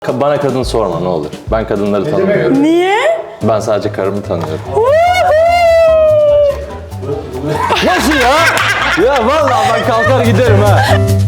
Bana kadın sorma ne olur. Ben kadınları tanımıyorum. Niye? Ben sadece karımı tanıyorum. Nasıl ya? Ya vallahi ben kalkar giderim ha.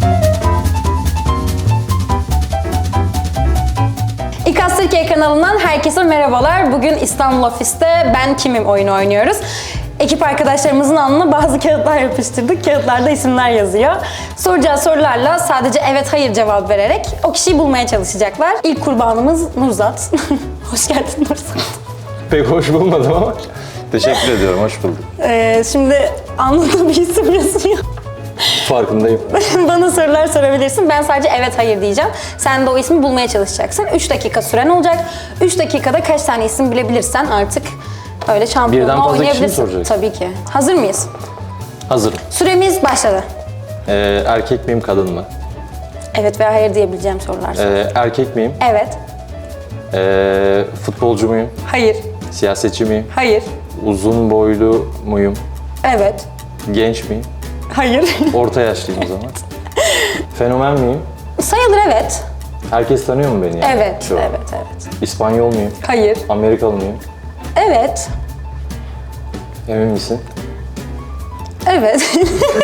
İKAS Türkiye kanalından herkese merhabalar. Bugün İstanbul ofiste Ben Kimim oyunu oynuyoruz. Ekip arkadaşlarımızın alnına bazı kağıtlar yapıştırdık. Kağıtlarda isimler yazıyor. Soracağı sorularla sadece evet hayır cevap vererek o kişiyi bulmaya çalışacaklar. İlk kurbanımız Nurzat. Hoş geldin Nurzat. Pek hoş bulmadım ama teşekkür ediyorum, hoş bulduk. Şimdi alnında bir isim yazıyor. Farkındayım. Bana sorular sorabilirsin. Ben sadece evet hayır diyeceğim. Sen de o ismi bulmaya çalışacaksın. 3 dakika süren olacak. 3 dakikada kaç tane isim bilebilirsen artık öyle Birden şampiyonluğa fazla kişi mi oynayabilirsin. soracaksın? Tabii ki. Hazır mıyız? Hazırım. Süremiz başladı. Erkek miyim, kadın mı? Evet veya hayır diyebileceğim sorular. Erkek miyim? Evet. Futbolcu muyum? Hayır. Siyasetçi miyim? Hayır. Uzun boylu muyum? Evet. Genç miyim? Hayır. Orta yaşlıyım o zaman. Fenomen miyim? Sayılır evet. Herkes tanıyor mu beni yani? Evet. Şu an? Evet. İspanyol muyum? Hayır. Amerikalı mıyım? Evet. Emin misin? Evet.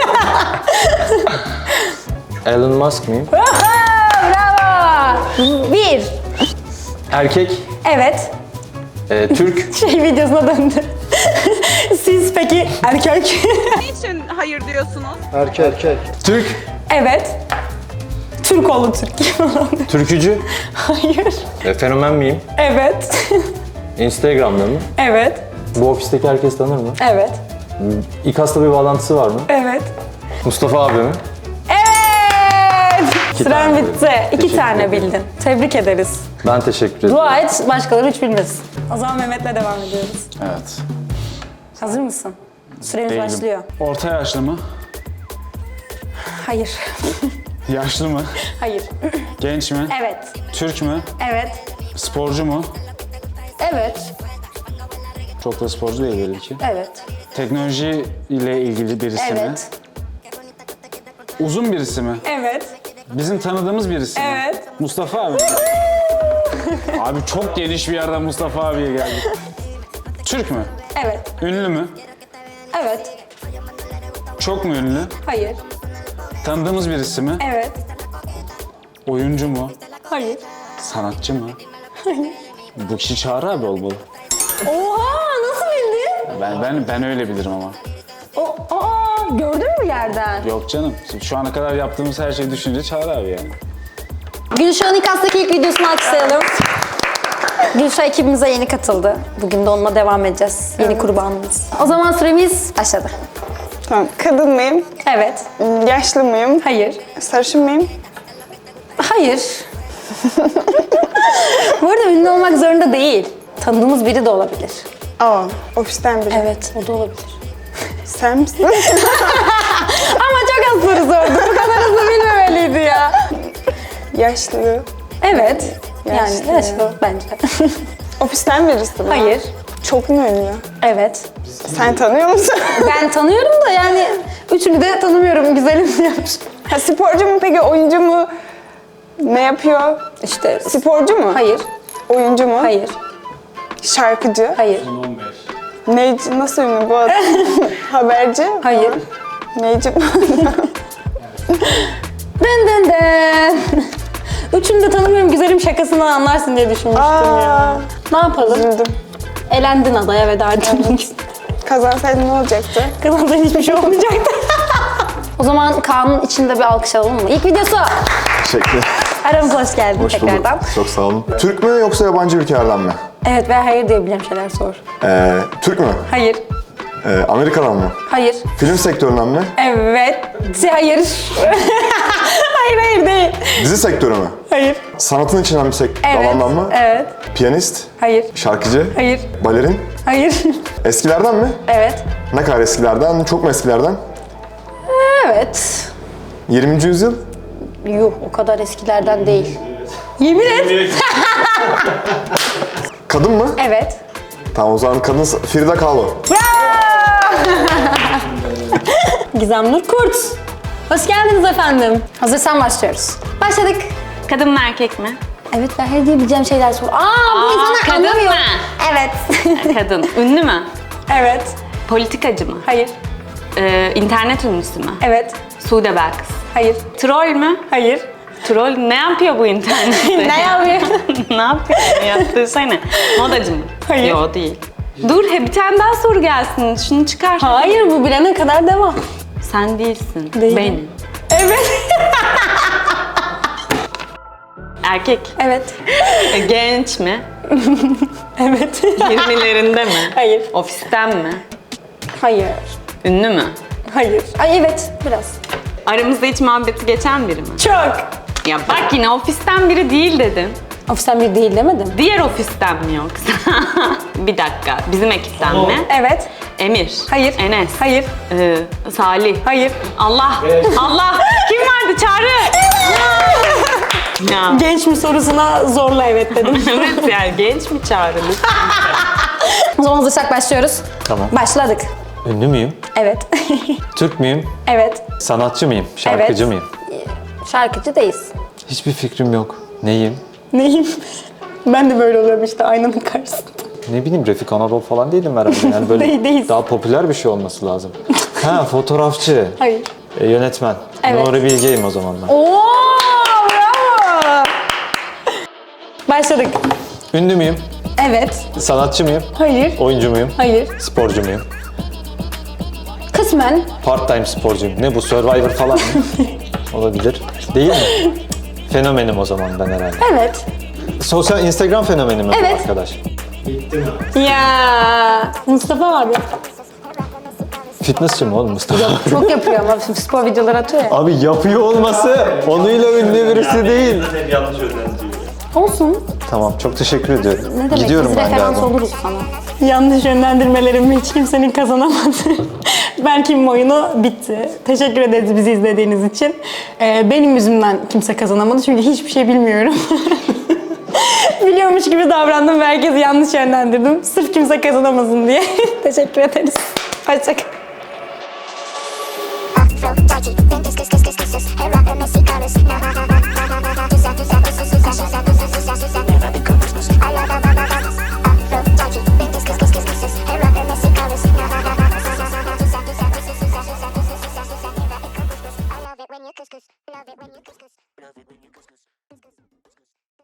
Elon Musk mıyım? Bravo. 1. Erkek. Evet. Türk. Videosuna döndü. Siz peki erkek? Niçin hayır diyorsunuz? Türk. Evet. Türkoğlu Türk. Türkücü. Hayır. Fenomen miyim? Evet. Instagram'da mı? Evet. Bu ofisteki herkes tanır mı? Evet. İKAS'la bir bağlantısı var mı? Evet. Mustafa abi mi? Evet. Süren tane bitti. bildim. 2 Teşekkür tane ederim. bildin. Tebrik ederiz. Ben teşekkür ederim. Dua et, başkaları hiç bilmesin. O zaman Mehmet'le devam ediyoruz. Evet. Hazır mısın? Süremiz Değilim. başlıyor. Orta yaşlı mı? Hayır. Yaşlı mı? Hayır. Genç mi? Evet. Türk mü? Evet. Sporcu mu? Evet. Çok da sporcu değil belli ki. Evet. Teknoloji ile ilgili birisi mi? Evet. Uzun birisi mi? Evet. Bizim tanıdığımız birisi mi? Evet. Mustafa abi. Abi çok geniş bir yerden Mustafa abiye geldik. Türk mü? Evet. Ünlü mü? Evet. Çok mu ünlü? Hayır. Tanıdığımız birisi mi? Evet. Oyuncu mu? Hayır. Sanatçı mı? Bu kişi Çağrı abi olmalı. Oha! Nasıl bildin? Ben öyle bilirim ama. Gördün mü yerden? Yok canım. Şu ana kadar yaptığımız her şeyi düşününce Çağrı abi yani. Gülşah'ın İKAS'taki ilk videosunu alkışlayalım. Gülşah ekibimize yeni katıldı. Bugün de onunla devam edeceğiz. Yeni kurbanımız. O zaman süremiz başladı. Tamam. Kadın mıyım? Evet. Yaşlı mıyım? Hayır. Sarışın mıyım? Hayır. Bu arada ünlü olmak zorunda değil. Tanıdığımız biri de olabilir. Aa, ofisten biri. Evet, o da olabilir. Sen misin? Ama çok az soru sordu. Bu kadar hızlı bilmemeliydi ya. Yaşlı. Evet. Yani Yaşlı. yaşlı bence. Ofisten birisi mi? Hayır. Çok mu ünlü? Evet. Sen tanıyor musun? Ben tanıyorum da yani üçünü de tanımıyorum. Güzelim diyormuş. Ha, sporcu mu peki? Oyuncu mu? Ne yapıyor? İşte Sporcu mu? hayır. Oyuncu mu? Hayır. Şarkıcı? Hayır. Neyci? Nasıl ünlü bu adam? Haberci? Hayır. Neyci? Dın dın dın. Üçünü de tanımıyorum. Güzelim şakasından anlarsın diye düşünmüştüm ya. Ne yapalım? Üzüldüm. Elendin adaya veda ettin. Kazansaydın ne olacaktı? Kazandan hiçbir şey olmayacaktı. O zaman Kaan'ın içinde bir alkış alalım mı? İlk videosu. Teşekkür. Aramıza hoş geldin Hoş bulduk. tekrardan. Çok sağ olun. Türk mü yoksa yabancı ülkelerden mi? Evet veya hayır diyebileceğim şeyler sor. Türk mü? Hayır. Amerika'dan mı? Hayır. Film sektöründen mi? Evet. Hayır. hayır değil. Dizi sektörü mü? Hayır. Sanatın içinden bir Evet. alandan mı? Evet. Piyanist? Hayır. Şarkıcı? Hayır. Balerin? Hayır. Eskilerden mi? evet. Ne kadar eskilerden? Çok mu eskilerden? Evet. 20. yüzyıl? Yuh o kadar eskilerden değil. Yemin et. Kadın mı? Evet. Tamam o zaman kadın Frida Kahlo. Gizem Nur Kurt. Hoş geldiniz efendim. Hazırsan başlıyoruz. Başladık. Kadın mı erkek mi? Evet, ben hayır diyebileceğim şeyler sor. Bu insanlar kadın anlamıyor. mı? Evet. Kadın. Ünlü mü? Evet. Politikacı mı? Hayır. İnternet ünlüsü mü? Evet. Sude Belkıs. Hayır. Troll mü? Hayır. Troll ne yapıyor bu internette? Ne yapıyor? Ne yapıyor? Yaptığı şey ne? Modacı mı? Hayır. Yok değil. Dur bir tane daha soru gelsin. Şunu çıkar. Hayır, bu bilene kadar devam. Sen değilsin. Değilim. Benim. Evet. Erkek. Evet. Genç mi? Evet. 20'lerinde mi? Hayır. Ofisten mi? Hayır. Ünlü mü? Hayır. Ay evet, biraz. Aramızda hiç muhabbeti geçen biri mi? Çok. Ya bak yine ofisten biri değil dedim. Ofisten bir değil demedim. Diğer ofisten mi yoksa? Bir dakika. Bizim ekipten mi? Evet. Emir. Hayır. Enes. Hayır. Salih. Hayır. Allah. Allah. Kim vardı? Çağrı. Ya. Genç mi sorusuna zorla evet dedim. Evet yani genç mi Çağrı? O zaman hazırsak başlıyoruz. Tamam. Başladık. Ünlü müyüm? Evet. Türk müyüm? Evet. Sanatçı mıyım? Şarkıcı mıyım? Şarkıcı değiliz. Hiçbir fikrim yok. Neyim? Neyim? Ben de böyle oluyorum işte aynanın karşısında. Ne bileyim, Refik Anadolu falan değilim herhalde. Yani böyle Değiliz. daha popüler bir şey olması lazım. Ha, fotoğrafçı. Hayır. Yönetmen. Evet. Nuri Bilge'yim o zaman ben. Oo, bravo. Başladık. Ünlü müyüm? Evet. Sanatçı mıyım? Hayır. Oyuncu muyum? Hayır. Sporcu muyum? Kısmen. Part-time sporcuyum. Ne bu, Survivor falan mı? Olabilir. Değil mi? Fenomenim o zaman ben herhalde. Evet. Sosyal Instagram fenomeni mi bu Evet. arkadaş? Ya Mustafa abi. Fitnessçi mi oğlum Mustafa? Çok yapıyor ama şimdi spor videoları atıyor ya. Abi yapıyor olması onuyla ünlü birisi değil. Olsun. Tamam, çok teşekkür ediyorum. Ne demek? Gidiyorum Biz ben referans galiba. oluruz sana. Yanlış yönlendirmelerimi hiç kimsenin kazanamadı. Ben kimim oyunu bitti. Teşekkür ederiz bizi izlediğiniz için. Benim yüzümden kimse kazanamadı çünkü hiçbir şey bilmiyorum. Biliyormuş gibi davrandım ve herkesi yanlış yönlendirdim. Sırf kimse kazanamasın diye. Teşekkür ederiz. Hoşçakalın. Afro, dodgy, then kiss, hey, rock, Messi, colors,